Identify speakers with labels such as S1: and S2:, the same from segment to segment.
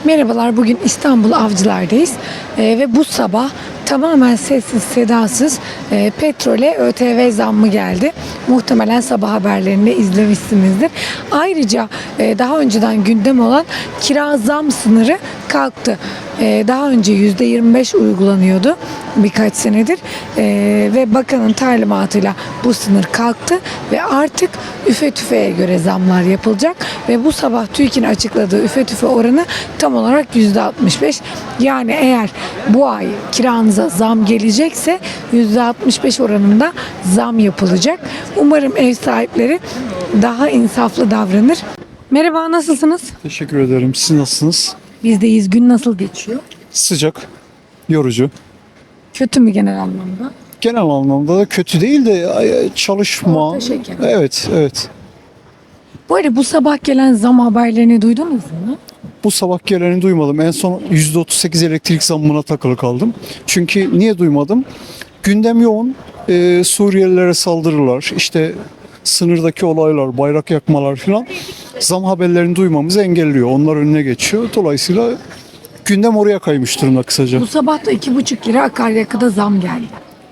S1: Merhabalar, bugün İstanbul Avcılar'dayız ve bu sabah tamamen sessiz sedasız petrole ÖTV zammı geldi. Muhtemelen sabah haberlerinde izlemişsinizdir. Ayrıca daha önceden gündem olan kira zam sınırı kalktı. Daha önce %25 uygulanıyordu birkaç senedir ve bakanın talimatıyla bu sınır kalktı ve artık üfe tüfeğe göre zamlar yapılacak ve bu sabah TÜİK'in açıkladığı üfe tüfe oranı tam olarak %65. Yani eğer bu ay kiranıza zam gelecekse %65 oranında zam yapılacak. Umarım ev sahipleri daha insaflı davranır. Merhaba, nasılsınız?
S2: Teşekkür ederim. Siz nasılsınız?
S1: Bizdeyiz. Gün nasıl geçiyor?
S2: Sıcak, yorucu.
S1: Kötü mü genel anlamda?
S2: Genel anlamda da kötü değil de çalışma.
S1: Orta şeker.
S2: Evet, evet.
S1: Bu arada bu sabah gelen zam haberlerini duydunuz mu?
S2: Bu sabah geleni duymadım. En son %38 elektrik zammına takılı kaldım. Çünkü niye duymadım? Gündem yoğun. Suriyelilere saldırılar, işte sınırdaki olaylar, bayrak yakmalar filan zam haberlerini duymamızı engelliyor. Onlar önüne geçiyor. Dolayısıyla gündem oraya kaymış durumda kısaca.
S1: Bu sabah da 2,5 lira akaryakıda zam geldi.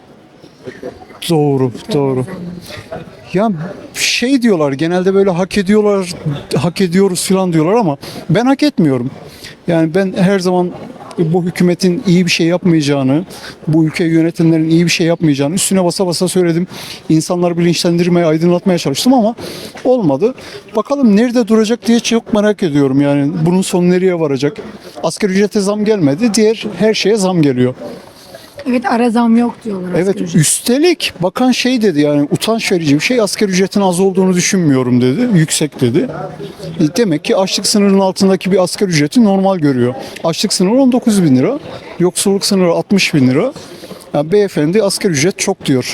S2: Doğru, doğru. Ya şey diyorlar, genelde böyle hak ediyorlar, hak ediyoruz falan diyorlar ama ben hak etmiyorum. Yani ben her zaman bu hükümetin iyi bir şey yapmayacağını, bu ülkeyi yönetenlerin iyi bir şey yapmayacağını üstüne basa basa söyledim. İnsanları bilinçlendirmeye, aydınlatmaya çalıştım ama olmadı. Bakalım nerede duracak diye çok merak ediyorum. Yani bunun sonu nereye varacak? Asgari ücrete zam gelmedi, diğer her şeye zam geliyor.
S1: Evet, ara zam yok diyorlar.
S2: Evet,
S1: asgari ücret.
S2: üstelik bakan şey dedi, yani utanç verici bir şey, asgari ücretin az olduğunu düşünmüyorum dedi, yüksek dedi. Demek ki açlık sınırının altındaki bir asgari ücreti normal görüyor. Açlık sınırı 19 bin lira, yoksulluk sınırı 60 bin lira. Yani beyefendi asgari ücret çok diyor.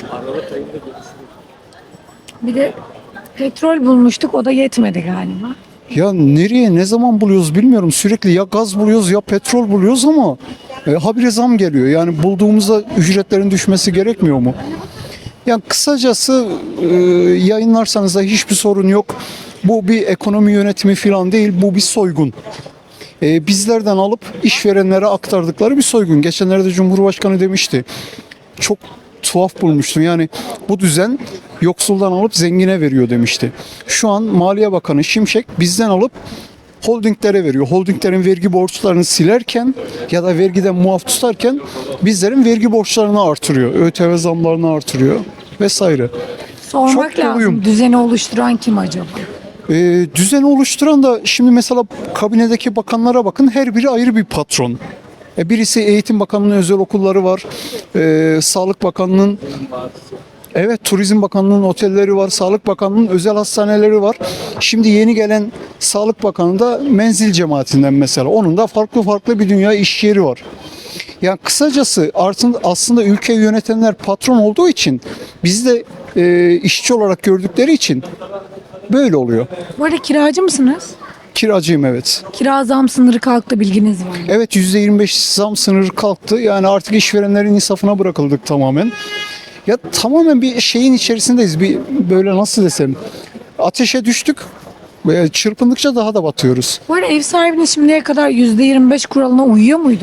S1: Bir de petrol bulmuştuk, o da yetmedi galiba.
S2: Ya nereye ne zaman buluyoruz bilmiyorum, sürekli ya gaz buluyoruz ya petrol buluyoruz ama habire zam geliyor. Yani bulduğumuzda ücretlerin düşmesi gerekmiyor mu? Yani kısacası yayınlarsanız da hiçbir sorun yok. Bu bir ekonomi yönetimi falan değil, bu bir soygun. Bizlerden alıp işverenlere aktardıkları bir soygun. Geçenlerde Cumhurbaşkanı demişti. Çok tuhaf bulmuştum. Yani bu düzen yoksuldan alıp zengine veriyor demişti. Şu an Maliye Bakanı Şimşek bizden alıp holdinglere veriyor. Holdinglerin vergi borçlarını silerken ya da vergiden muaf tutarken bizlerin vergi borçlarını artırıyor. ÖTV zamlarını artırıyor vesaire.
S1: Sormak
S2: Çok doluyum.
S1: lazım. Düzeni oluşturan kim acaba?
S2: Düzeni oluşturan da şimdi mesela kabinedeki bakanlara bakın, her biri ayrı bir patron. Birisi Eğitim Bakanlığı'nın özel okulları var. Sağlık Bakanlığı'nın, evet, Turizm Bakanlığı'nın otelleri var. Sağlık Bakanlığı'nın özel hastaneleri var. Şimdi yeni gelen Sağlık Bakanı da menzil cemaatinden mesela. Onun da farklı bir dünya iş yeri var. Yani kısacası aslında ülkeyi yönetenler patron olduğu için, bizi de işçi olarak gördükleri için böyle oluyor.
S1: Bu arada kiracı mısınız?
S2: Kiracıyım, evet.
S1: Kira zam sınırı kalktı, bilginiz var mı?
S2: Evet, %25 zam sınırı kalktı. Yani artık işverenlerin insafına bırakıldık tamamen. Ya tamamen bir şeyin içerisindeyiz. Bir böyle nasıl desem, ateşe düştük. Çırpındıkça daha da batıyoruz.
S1: Bu arada ev sahibiniz şimdiye kadar %25 kuralına uyuyor muydu?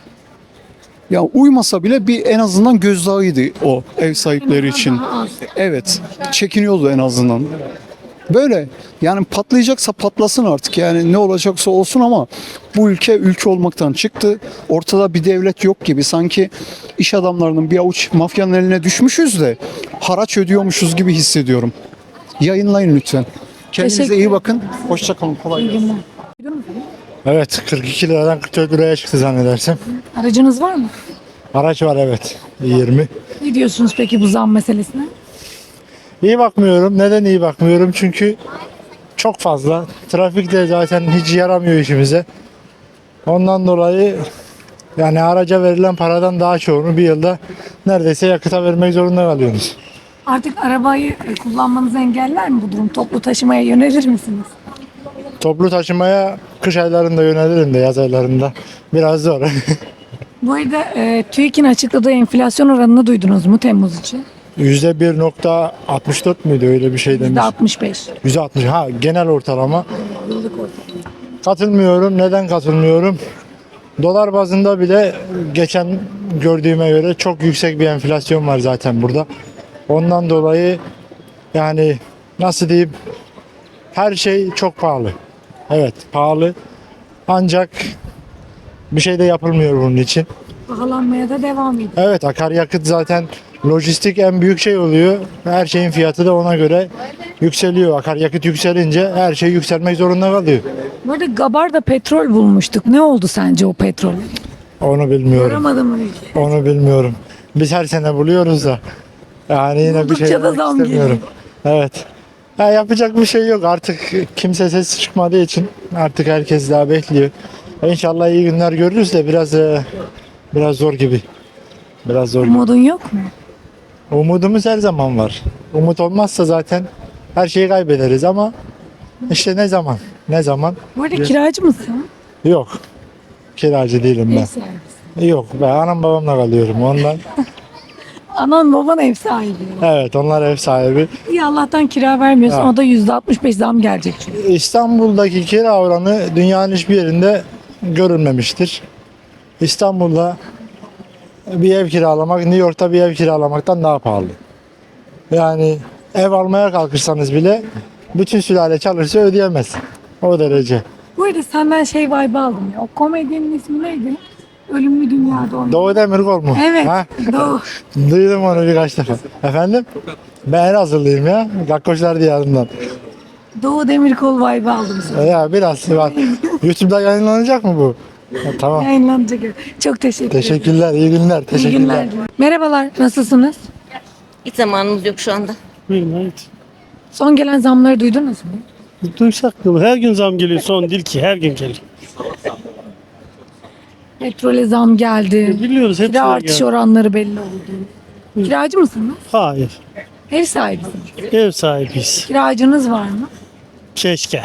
S2: Ya uymasa bile bir en azından gözdağıydı o ev sahipleri için.
S1: Daha az.
S2: Evet, çekiniyordu en azından. Böyle yani patlayacaksa patlasın artık, yani ne olacaksa olsun ama bu ülke olmaktan çıktı. Ortada bir devlet yok gibi, sanki iş adamlarının bir avuç mafyanın eline düşmüşüz de haraç ödüyormuşuz gibi hissediyorum. Yayınlayın lütfen. Kendinize
S1: Teşekkür
S2: iyi bakın. Hoşça kalın. Kolay gelsin.
S1: İyi günler.
S3: Evet, 42 liradan 44 liraya çıktı zannedersem.
S1: Aracınız var mı?
S3: Araç var, evet, 20.
S1: Ne diyorsunuz peki bu zam meselesine?
S3: İyi bakmıyorum. Neden iyi bakmıyorum? Çünkü çok fazla. Trafik de zaten hiç yaramıyor işimize. Ondan dolayı yani araca verilen paradan daha çoğunu bir yılda neredeyse yakıta vermek zorunda kalıyorsunuz.
S1: Artık arabayı kullanmanızı engeller mi bu durum? Toplu taşımaya yönelir misiniz?
S3: Toplu taşımaya kış aylarında yönelirim de yaz aylarında. Biraz zor.
S1: Bu arada TÜİK'in açıkladığı enflasyon oranını duydunuz mu Temmuz için?
S3: %1,64 müydü, öyle bir şey demiş.
S1: %65.
S3: %60, ha, genel ortalama.
S1: Yıllık ortalama.
S3: Katılmıyorum. Neden katılmıyorum? Dolar bazında bile geçen gördüğüme göre çok yüksek bir enflasyon var zaten burada. Ondan dolayı yani nasıl diyeyim, her şey çok pahalı. Evet, pahalı. Ancak bir şey de yapılmıyor bunun için.
S1: Pahalanmaya da devam ediyor.
S3: Evet, akaryakıt zaten lojistik en büyük şey oluyor. Her şeyin fiyatı da ona göre yükseliyor. Akaryakıt yükselince her şey yükselmek zorunda kalıyor.
S1: Bu arada Gabar'da petrol bulmuştuk. Ne oldu sence o petrol?
S3: Onu bilmiyorum.
S1: Aramadım mı?
S3: Onu bilmiyorum. Biz her sene buluyoruz da. Yani yine bir
S1: Buldukça
S3: şey
S1: da
S3: demek
S1: zam
S3: istemiyorum. Evet. Ya yapacak bir şey yok. Artık kimse ses çıkmadığı için artık herkes daha bekliyor. İnşallah iyi günler görürüz de biraz zor gibi. Biraz zor gibi.
S1: Umudun yok mu?
S3: Umudumuz her zaman var. Umut olmazsa zaten her şeyi kaybederiz ama işte ne zaman? Ne zaman?
S1: Bu arada kiracı mısın?
S3: Yok. Kiracı değilim
S1: Ev
S3: ben.
S1: sahibisin.
S3: Yok, ben anam babamla kalıyorum ondan.
S1: Anan baban ev sahibi.
S3: Evet, onlar ev sahibi.
S1: İyi Allah'tan kira vermiyorsun.
S3: Ha.
S1: O da %65 zam gelecek çünkü.
S3: İstanbul'daki kira oranı dünyanın hiçbir yerinde görülmemiştir. İstanbul'da bir ev kiralamak, New York'ta bir ev kiralamaktan daha pahalı. Yani ev almaya kalkırsanız bile bütün sülale çalışsa ödeyemez. O derece.
S1: Bu arada senden şey vibe aldım ya. O komedyenin ismi neydi? Ölümlü Dünya'da oynadı.
S3: Doğu Demirkol mu?
S1: Evet.
S3: Ha?
S1: Doğu.
S3: Duydum onu birkaç defa. Efendim? Ben Elazığlıyım ya. Gakkoşlar diyarından.
S1: Doğu Demirkol vibe aldım sana.
S3: Ya biraz var. YouTube'da yayınlanacak mı bu? Ha, tamam.
S1: Yayınlanacak. Çok teşekkür ederim.
S3: Teşekkürler, iyi günler.
S1: İyi
S3: Teşekkürler.
S1: günler. Merhabalar. Nasılsınız?
S4: Hiç zamanımız yok şu anda.
S5: Buyurun, evet.
S1: Son gelen zamları duydunuz mu?
S5: Duysak mı? Her gün zam geliyor. Son değil ki. Her gün geliyor.
S1: Petrole zam geldi.
S5: Biliyoruz.
S1: Kira
S5: Hepsine
S1: artış
S5: geldi.
S1: oranları belli oldu. Kiracı mısınız?
S5: Hayır.
S1: Ev sahibisiniz.
S5: Ev sahibiyiz.
S1: Kiracınız var mı?
S5: Keşke.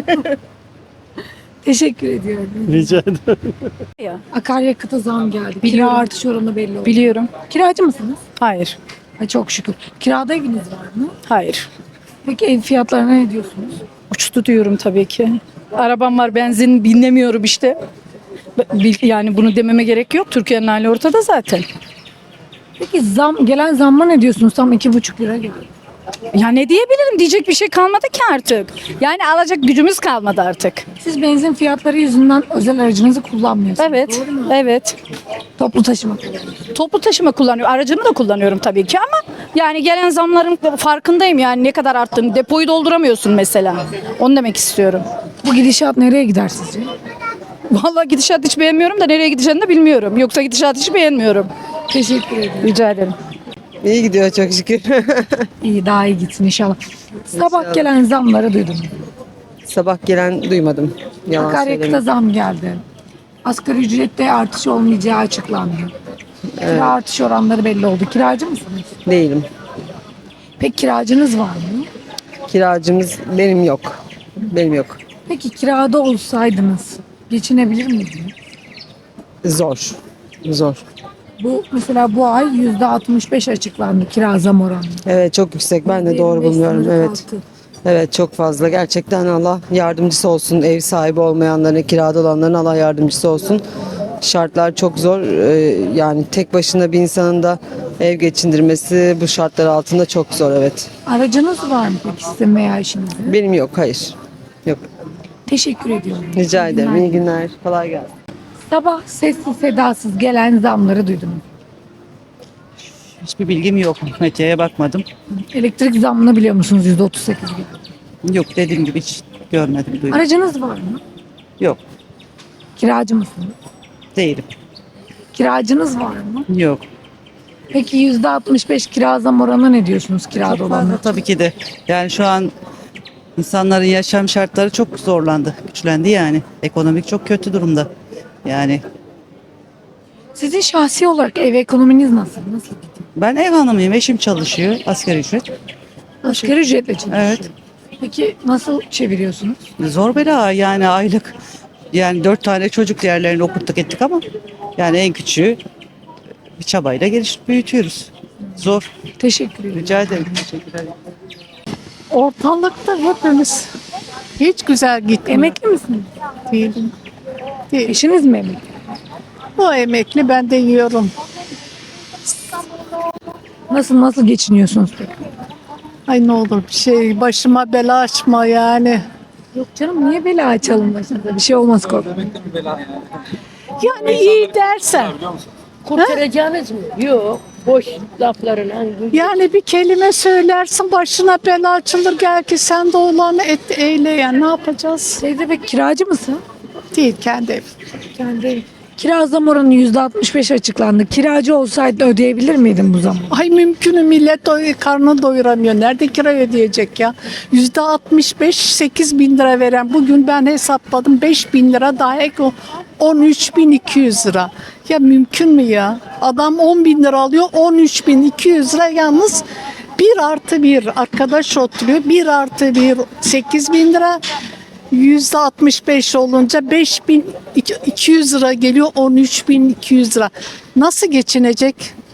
S1: Teşekkür ediyorum.
S5: Rica ederim.
S1: Akaryakıta zam geldi.
S6: Biliyorum.
S1: Kira artış oranı belli oldu.
S6: Biliyorum.
S1: Kiracı mısınız?
S6: Hayır.
S1: Ay çok şükür. Kirada eviniz var mı?
S6: Hayır.
S1: Peki ev fiyatlarına ne diyorsunuz?
S6: Uçtu diyorum tabii ki. Arabam var, benzin binlemiyorum işte. Yani bunu dememe gerek yok. Türkiye'nin hali ortada zaten.
S1: Peki gelen zamma ne diyorsunuz? Tam 2,5 lira geldi.
S6: Ya ne diyebilirim? Diyecek bir şey kalmadı ki artık. Yani alacak gücümüz kalmadı artık.
S1: Siz benzin fiyatları yüzünden özel aracınızı kullanmıyorsunuz.
S6: Evet.
S1: Doğru mu?
S6: Evet.
S1: Toplu taşıma kullanıyorsunuz.
S6: Toplu taşıma kullanıyorum. Aracımı da kullanıyorum tabii ki ama yani gelen zamların farkındayım yani ne kadar arttığını. Depoyu dolduramıyorsun mesela. Onu demek istiyorum.
S1: Bu gidişat nereye gider sizce?
S6: Vallahi gidişat hiç beğenmiyorum da nereye gideceğini de bilmiyorum. Yoksa gidişat hiç beğenmiyorum.
S1: Teşekkür ederim.
S6: Rica ederim.
S7: İyi gidiyor çok şükür.
S1: İyi daha iyi gitsin inşallah. Sabah gelen zamları duydum.
S7: Sabah gelen duymadım. Yalan
S1: Akaryakıta
S7: söyleyeyim.
S1: zam geldi. Asgari ücrette artış olmayacağı açıklandı. Kira artış oranları belli oldu. Kiracı mısınız?
S7: Değilim.
S1: Peki kiracınız var mı?
S7: Kiracımız benim yok. Benim yok.
S1: Peki kirada olsaydınız geçinebilir miydiniz?
S7: Zor. Zor.
S1: Bu mesela bu ay %65 açıklandı kira zam oranı.
S7: Evet çok yüksek. Ben de doğru
S1: 25
S7: bulmuyorum.
S1: sınırı
S7: Evet.
S1: kalktı.
S7: Evet çok fazla. Gerçekten Allah yardımcısı olsun. Ev sahibi olmayanların, kirada olanların Allah yardımcısı olsun. Şartlar çok zor. Yani tek başına bir insanın da ev geçindirmesi bu şartlar altında çok zor. Evet.
S1: Aracınız var mı peki sizin veya eşinizin?
S7: Benim yok. Hayır. Yok.
S1: Teşekkür ediyorum.
S7: Rica
S1: İyi
S7: ederim.
S1: günler.
S7: İyi günler. Kolay gelsin.
S1: Sabah sessiz sedasız gelen zamları duydum.
S8: Hiçbir bilgim yok. Medyaya bakmadım.
S1: Elektrik zammını biliyor musunuz? %38 gibi.
S8: Yok, dediğim gibi hiç görmedim, duymadım.
S1: Aracınız var mı?
S8: Yok,
S1: Kiracı mısınız?
S8: değilim.
S1: Kiracınız var mı?
S8: Yok.
S1: Peki %65 kira zam oranına ne diyorsunuz kirada
S8: Çok
S1: olanlar?
S8: fazla tabii ki de. Yani şu an insanların yaşam şartları çok zorlandı, güçlendi yani. Ekonomik çok kötü durumda. Yani
S1: Sizin şahsi olarak ev ekonominiz nasıl? Nasıl gidiyor?
S8: ben ev hanımıyım, eşim çalışıyor, asgari ücret.
S1: Asgari ücretle çalışıyor.
S8: Evet.
S1: Peki nasıl çeviriyorsunuz?
S8: Zor bela yani aylık. Yani 4 tane çocuk diğerlerini okuttuk ettik ama yani en küçüğü bir çabayla büyütüyoruz. Zor.
S1: Teşekkür ederim.
S8: Rica ederim. Teşekkürler.
S9: Ortalıkta hepimiz hiç güzel gitmiyor.
S1: Emekli misiniz?
S9: Değilim. Değil.
S1: Eşiniz mi emekli?
S9: O emekli, ben de yiyorum.
S1: Nasıl geçiniyorsunuz peki?
S9: Ay ne olur bir şey başıma bela açma yani.
S1: Yok canım, niye bela açalım başınıza? Bir şey olmaz, korkmayın.
S9: Yani iyi dersen.
S10: Kurtaracağınız mı? Yok. Boş laflarla.
S9: Yani bir kelime söylersin başına bela açılır, gel ki sen de olanı eyle yani, ne yapacağız?
S1: Teyze peki kiracı mısın?
S9: Değil, kendi ev.
S1: Kendi. Kira zam oranı %65 açıklandı. Kiracı olsaydın ödeyebilir miydin bu zamı?
S9: Ay mümkünü, millet karnını doyuramıyor. Nerede kira ödeyecek ya? %65, 8 bin lira veren. Bugün ben hesapladım, 5 bin lira daha ek, 13.200 lira. Ya mümkün mü ya? Adam 10 bin lira alıyor, 13.200 lira yalnız 1+1 arkadaş oturuyor. 1+1 8 bin lira. %65 olunca 5.200 lira geliyor, 13.200 lira. Nasıl geçinecek?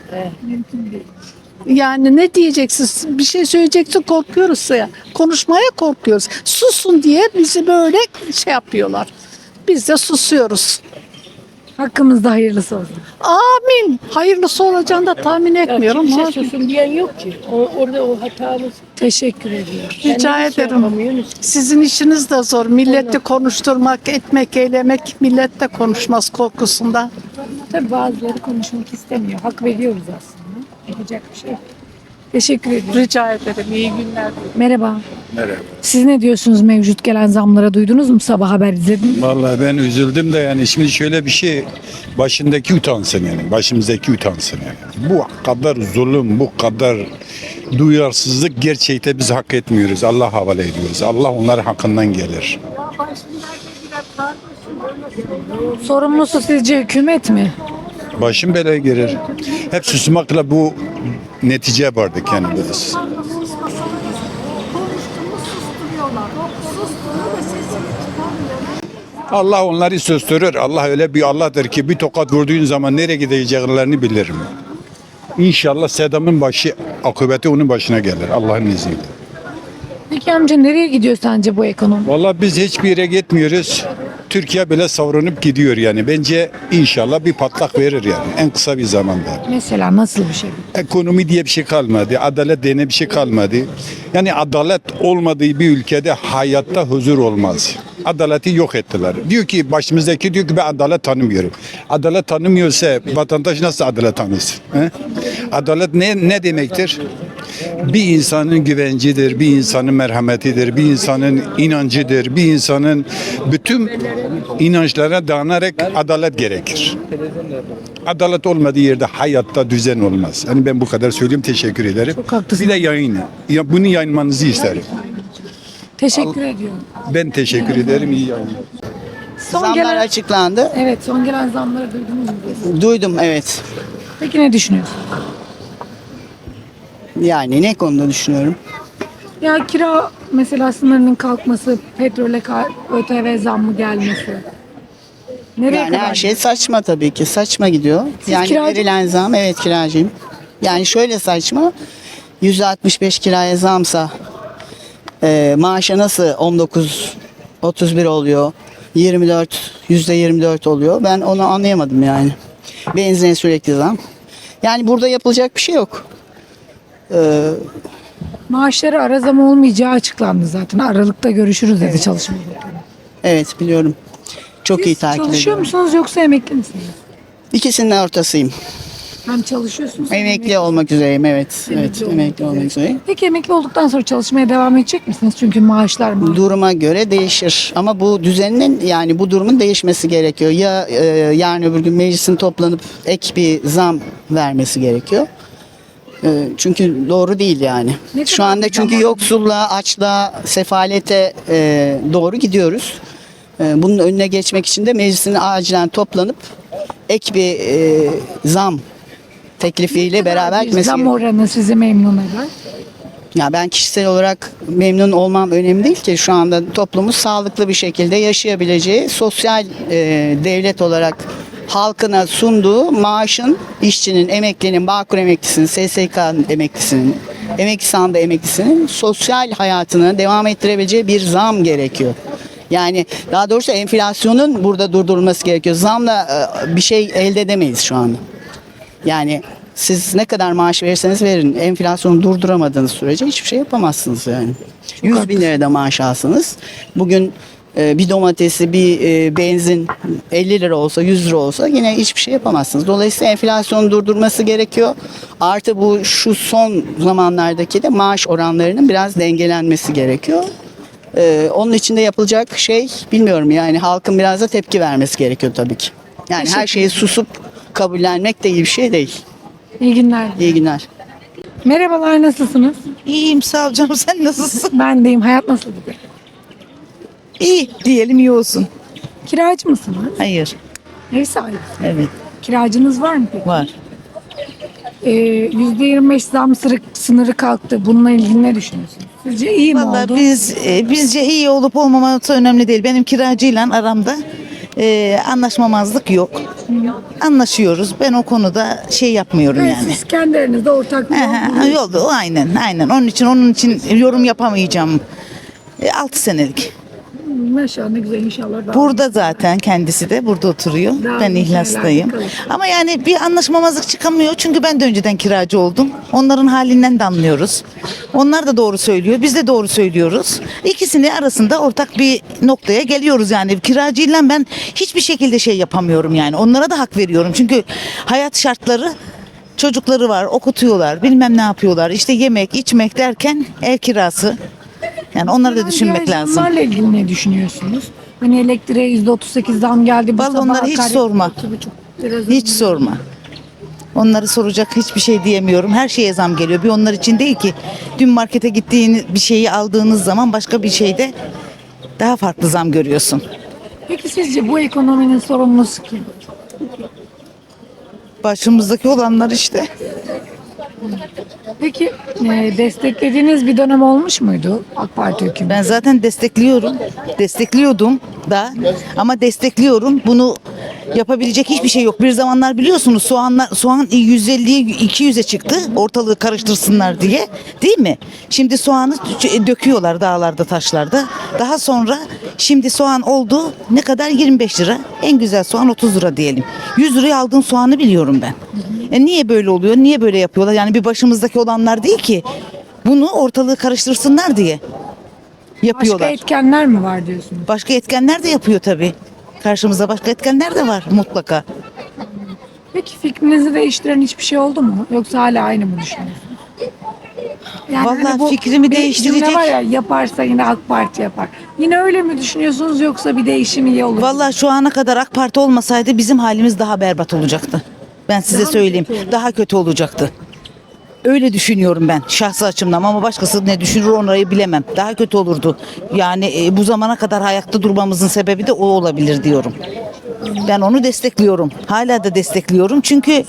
S9: Yani ne diyeceksin? Bir şey söyleyeceksin, korkuyoruz ya. Konuşmaya korkuyoruz. Susun diye bizi böyle şey yapıyorlar. Biz de susuyoruz.
S1: Hakkımızda hayırlısı olsun.
S9: Amin. Hayırlısı olacağını da tahmin etmiyorum.
S10: Kimse
S9: ama
S10: susun diyen yok ki. Orada o hatamız.
S1: Teşekkür ediyorum.
S9: Rica
S10: Kendimiz şey
S9: ederim.
S10: yapamıyoruz.
S9: Sizin işiniz de zor. Milleti konuşturmak, etmek, eylemek, millet de konuşmaz korkusunda.
S1: Tabii bazıları konuşmak istemiyor. Hak veriyoruz aslında. Yapacak bir şey yok. Teşekkür ediyorum.
S9: Rica ederim. İyi günler.
S1: Merhaba.
S11: Merhaba.
S1: Siz ne diyorsunuz mevcut gelen zamlara, duydunuz mu? Sabah haber izlediniz mi?
S11: Vallahi ben üzüldüm de yani şimdi şöyle bir şey, başındaki utansın yani, başımızdaki utansın yani. Bu kadar zulüm, bu kadar duyarsızlık gerçekten biz hak etmiyoruz. Allah havale ediyoruz. Allah onların hakkından gelir.
S1: Sorumlusu sizce hükümet mi?
S11: Başım belaya girer. Hep susmakla bu neticeye vardık yani biz. Allah onları susturur. Allah öyle bir Allah'tır ki bir tokat vurduğun zaman nereye gideceklerini bilirim. İnşallah Saddam'ın başı, akıbeti onun başına gelir Allah'ın izniyle.
S1: Peki amca, nereye gidiyor sence bu ekonomi?
S11: Vallahi biz hiçbir yere gitmiyoruz. Türkiye bile savrunup gidiyor yani. Bence inşallah bir patlak verir yani en kısa bir zamanda.
S1: Mesela nasıl bir şey?
S11: Ekonomi diye bir şey kalmadı. Adalet diye bir şey kalmadı. Yani adalet olmadığı bir ülkede hayatta huzur olmaz. Adaleti yok ettiler. Diyor ki başımızdaki diyor ki ben adalet tanımıyorum. Adalet tanımıyorsa vatandaş nasıl adalet tanısın? He? Adalet ne demektir? Bir insanın güvencidir, bir insanın merhametidir, bir insanın inancıdır, bir insanın bütün inançlara dayanarak adalet gerekir. Adalet olmadığı yerde hayatta düzen olmaz. Yani ben bu kadar söyleyeyim, teşekkür ederim.
S1: Çok haklısın.
S11: Bir de yayın. Ya bunu yayınlamanızı isterim.
S1: Teşekkür ediyorum.
S11: Ben teşekkür ederim, iyi yayınlar.
S12: Zamlar açıklandı.
S1: Evet, son gelen zamları duydunuz mu?
S12: Duydum, evet.
S1: Peki ne düşünüyorsun?
S12: Yani ne konuda düşünüyorum?
S1: Ya kira mesela sınırının kalkması, petrole ÖTV zammı gelmesi. Nereye
S12: Yani
S1: kadar?
S12: her şey saçma tabii ki. Saçma gidiyor. Yani
S1: kiracı
S12: verilen zam, evet kiracıyım. Yani şöyle saçma. %65 kiraya zamsa maaşa nasıl 19-31 oluyor? %24 oluyor. Ben onu anlayamadım yani. Benzine sürekli zam. Yani burada yapılacak bir şey yok.
S1: Maaşları ara zam olmayacağı açıklandı zaten. Aralıkta görüşürüz dedi Çalışma Bakanı.
S12: Evet biliyorum. Çok iyi
S1: Siz
S12: takip
S1: çalışıyor
S12: ediyorum.
S1: musunuz yoksa emekli misiniz?
S12: İkisinin ortasıyım.
S1: Hem çalışıyorsunuz hem
S12: Emekli olmak üzereyim, evet. Evet, emekli olmak üzereyim.
S1: Peki emekli olduktan sonra çalışmaya devam edecek misiniz? Çünkü maaşlar mı?
S12: Duruma göre değişir. Ama bu düzenin yani bu durumun değişmesi gerekiyor. Ya yarın öbür gün meclisin toplanıp ek bir zam vermesi gerekiyor. Çünkü doğru değil yani.
S1: Ne
S12: Şu
S1: kadar
S12: anda
S1: bir
S12: çünkü
S1: zaman?
S12: yoksulluğa, açlığa, sefalete doğru gidiyoruz. Bunun önüne geçmek için de meclisin acilen toplanıp ek bir zam teklifiyle beraber
S1: Bir
S12: gitmesi
S1: zam
S12: gerekiyor.
S1: oranı sizi memnun eder.
S12: Ya ben kişisel olarak memnun olmam önemli değil ki. Şu anda toplumumuz sağlıklı bir şekilde yaşayabileceği sosyal devlet olarak halkına sunduğu maaşın işçinin, emeklinin, Bağkur emeklisinin, SSK'nın emeklisinin, emekli sandığı emeklisinin sosyal hayatını devam ettirebileceği bir zam gerekiyor. Yani daha doğrusu enflasyonun burada durdurulması gerekiyor. Zamla bir şey elde edemeyiz şu anda. Yani siz ne kadar maaş verirseniz verin, enflasyonu durduramadığınız sürece hiçbir şey yapamazsınız yani. 100 bin lirada maaş alsanız bugün bir domatesi, bir benzin 50 lira olsa, 100 lira olsa yine hiçbir şey yapamazsınız. Dolayısıyla enflasyonu durdurması gerekiyor. Artı bu şu son zamanlardaki de maaş oranlarının biraz dengelenmesi gerekiyor. Onun için de yapılacak şey bilmiyorum yani halkın biraz da tepki vermesi gerekiyor tabii ki. Yani her şeyi susup kabullenmek de iyi bir şey değil.
S1: İyi günler.
S12: İyi günler.
S1: Merhabalar, nasılsınız?
S8: İyiyim sağ ol canım, sen nasılsın?
S1: Ben deyim. Hayat nasıl gidiyor?
S8: İyi diyelim, iyi olsun.
S1: Kiracı mısınız?
S8: Hayır.
S1: Ev sahibi.
S8: Evet,
S1: Kiracınız var mı peki?
S8: var.
S1: %25 zam sınırı kalktı. Bununla ilgili ne düşünüyorsunuz? Sizce iyi mi
S8: Vallahi
S1: oldu?
S8: bizce iyi olup olmaması önemli değil. Benim kiracıyla aramda anlaşmamazlık yok. Anlaşıyoruz. Ben o konuda şey yapmıyorum
S1: Evet,
S8: yani.
S1: siz kendi aranızda ortak bir yol
S8: Yolda o aynen. Onun için yorum yapamayacağım. 6 senelik.
S1: Maşallah, ne güzel, inşallah. Daha
S8: Burada zaten kendisi de burada oturuyor.
S1: Daha
S8: Ben
S1: güzel
S8: İhlas'tayım.
S1: yerlerde kalır.
S8: Ama yani bir anlaşmamazlık çıkamıyor. Çünkü ben de önceden kiracı oldum. Onların halinden de anlıyoruz. Onlar da doğru söylüyor. Biz de doğru söylüyoruz. İkisini arasında ortak bir noktaya geliyoruz yani. Kiracıyla ben hiçbir şekilde şey yapamıyorum yani. Onlara da hak veriyorum. Çünkü hayat şartları, çocukları var, okutuyorlar, bilmem ne yapıyorlar. İşte yemek, içmek derken ev kirası. Yani onları da düşünmek lazım.
S1: Bunlarla ilgili ne düşünüyorsunuz? Hani elektriğe %38 zam geldi. Bu
S8: Vallahi
S1: sabah
S8: onları hiç
S1: akaryakıt
S8: sorma.
S1: 2,5 lira zam
S8: Hiç
S1: geldi.
S8: sorma. Onları soracak hiçbir şey diyemiyorum. Her şeye zam geliyor. Bir onlar için değil ki. Dün markete gittiğiniz bir şeyi aldığınız zaman başka bir şeyde daha farklı zam görüyorsun.
S1: Peki sizce bu ekonominin sorumlusu kim?
S8: Başımızdaki olanlar işte.
S1: Peki desteklediğiniz bir dönem olmuş muydu AK Parti hükümeti?
S8: Ben zaten destekliyorum. Destekliyordum da ama destekliyorum. Bunu yapabilecek hiçbir şey yok. Bir zamanlar biliyorsunuz soğan 150'ye 200'e çıktı. Ortalığı karıştırsınlar diye. Değil mi? Şimdi soğanı döküyorlar dağlarda, taşlarda. Daha sonra şimdi soğan oldu ne kadar? 25 lira. En güzel soğan 30 lira diyelim. 100 liraya aldığım soğanı biliyorum ben. Niye böyle oluyor? Niye böyle yapıyorlar? Yani bir başımızdaki olanlar değil ki. Bunu ortalığı karıştırsınlar diye yapıyorlar.
S1: Başka etkenler mi var diyorsunuz?
S8: Başka etkenler de yapıyor tabii. Karşımızda başka etkenler de var mutlaka.
S1: Peki fikrinizi değiştiren hiçbir şey oldu mu? Yoksa hala aynı mı düşünüyorsunuz? Yani
S8: Vallahi
S1: bu
S8: fikrimi
S1: bir
S8: değiştirecek-
S1: cümle var ya, yaparsa yine AK Parti yapar. Yine öyle mi düşünüyorsunuz yoksa bir değişim iyi olur mu?
S8: Vallahi şu ana kadar AK Parti olmasaydı bizim halimiz daha berbat olacaktı. Ben size
S1: Daha mı
S8: söyleyeyim.
S1: kötü olurdu?
S8: Daha kötü olacaktı. Öyle düşünüyorum ben şahsi açımdan ama başkası ne düşünür onları bilemem. Daha kötü olurdu. Yani bu zamana kadar ayakta durmamızın sebebi de o olabilir diyorum. Ben onu destekliyorum. Hala da destekliyorum. Çünkü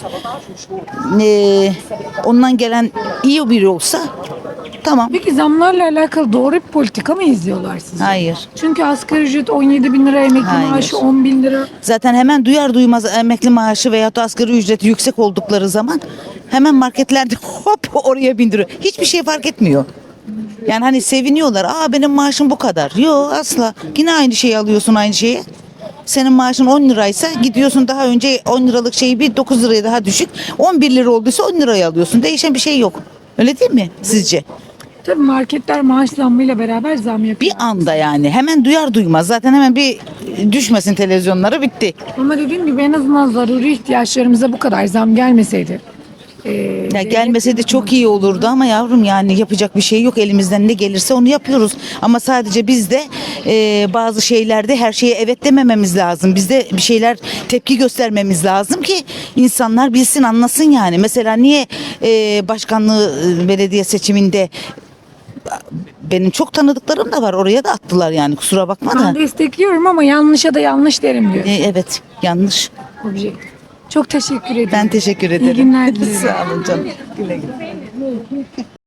S8: ondan gelen iyi biri olsa tamam.
S1: Peki zamlarla alakalı doğru bir politika mı izliyorlar sizce?
S8: Hayır.
S1: Çünkü asgari ücret 17 bin lira, emekli
S8: Hayır.
S1: maaşı 10 bin lira.
S8: Zaten hemen duyar duymaz emekli maaşı veya da asgari ücreti yüksek oldukları zaman hemen marketlerde hop oraya bindiriyor. Hiçbir şey fark etmiyor. Yani hani seviniyorlar. Benim maaşım bu kadar. Yok asla. Yine aynı şeyi alıyorsun aynı şeyi. Senin maaşın 10 liraysa gidiyorsun daha önce 10 liralık şeyi bir 9 liraya daha düşük. 11 lira olduysa 10 liraya alıyorsun. Değişen bir şey yok. Öyle değil mi sizce?
S1: Tabii marketler maaş zammıyla beraber zam yapıyor.
S8: Bir anda yani hemen duyar duymaz zaten hemen bir düşmesin televizyonlara bitti.
S1: Ama dediğim gibi en azından zaruri ihtiyaçlarımıza bu kadar zam gelmeseydi.
S8: Ya gelmeseydi çok iyi olurdu ama yavrum yani yapacak bir şey yok. Elimizden ne gelirse onu yapıyoruz. Ama sadece biz de bazı şeylerde her şeye evet demememiz lazım. Biz de bir şeyler tepki göstermemiz lazım ki insanlar bilsin anlasın yani. Mesela niye başkanlığı belediye seçiminde benim çok tanıdıklarım da var. Oraya da attılar yani kusura bakma da.
S1: Ben destekliyorum ama yanlışa da yanlış derim diyor.
S8: Evet yanlış.
S1: Objektif. Çok teşekkür ederim.
S8: Ben teşekkür ederim.
S1: İyi günler dilerim.
S8: Sağ olun canım. Güle güle.